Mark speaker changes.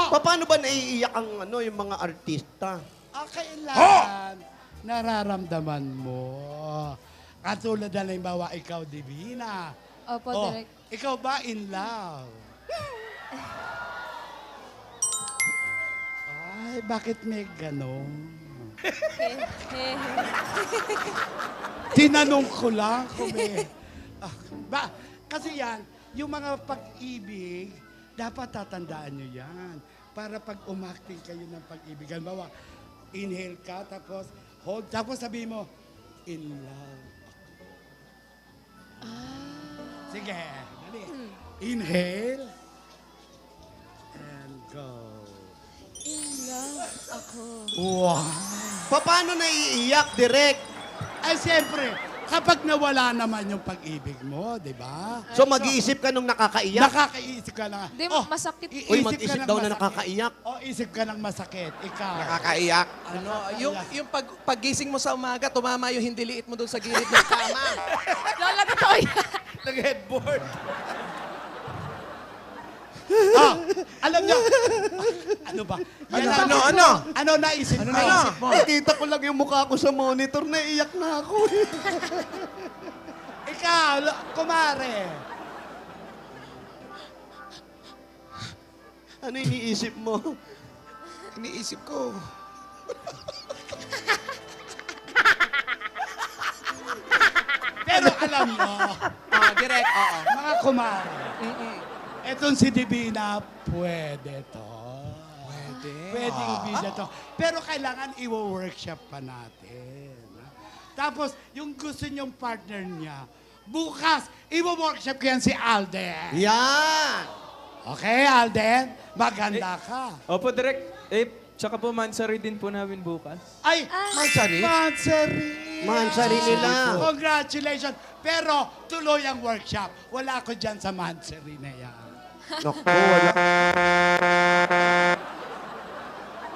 Speaker 1: Paano ba naiiyak ang yung mga artista?
Speaker 2: Kailangan nararamdaman mo. Katulad na halimbawa, ikaw, Divina.
Speaker 3: Opo, Direk.
Speaker 2: Ikaw ba in love? Ay, bakit may ganon? Tinanong ko lang kung may... kasi yan, yung mga pag-ibig, dapat tatandaan nyo yan. Para pag umakting kayo ng pag-ibig. Halimbawa, inhale ka, tapos hold, tapos sabihin mo, in love. Sige, dali. Inhale. And go.
Speaker 3: In love ako.
Speaker 2: Wow.
Speaker 1: Paano naiiyak, Direk?
Speaker 2: Ay, siyempre, kapag nawala naman yung pag-ibig mo, di ba?
Speaker 1: So mag-iisip ka nung nakakaiyak?
Speaker 2: Nakakaisip ka na.
Speaker 3: Di, masakit.
Speaker 1: Uy, mag-isip daw na nakakaiyak.
Speaker 2: Isip ka ng masakit. Ikaw.
Speaker 4: Nakakaiyak. Yung paggising mo sa umaga, tumama yung hindi liit mo doon sa gilid ng kama.
Speaker 3: Lola, totoo yan.
Speaker 4: Nag-headboard.
Speaker 2: Alam niyo, ano ba? Ano naisip mo?
Speaker 1: Nakita ko lang yung mukha ko sa monitor, naiiyak na ako.
Speaker 2: Ikaw, kumare.
Speaker 1: Ano iniisip mo?
Speaker 4: Iniisip ko.
Speaker 2: Pero alam mo,
Speaker 4: Direct, oo.
Speaker 2: mga kumare, etong si Divina, pwede to. Pwedeng video to. Pero kailangan i-workshop pa natin. Tapos, yung gusto niyong partner niya, bukas, i-workshop ko yan si Alden.
Speaker 1: Yan!
Speaker 2: Okay, Alden? Maganda ka.
Speaker 5: Opo, Direk. Tsaka po, Mansari din po namin bukas.
Speaker 2: Ay,
Speaker 4: Mansari?
Speaker 2: Mansari.
Speaker 1: Mansari nila.
Speaker 2: Congratulations. Pero tuloy ang workshop. Wala ko dyan sa Mansari na yan.
Speaker 1: Naku, wala.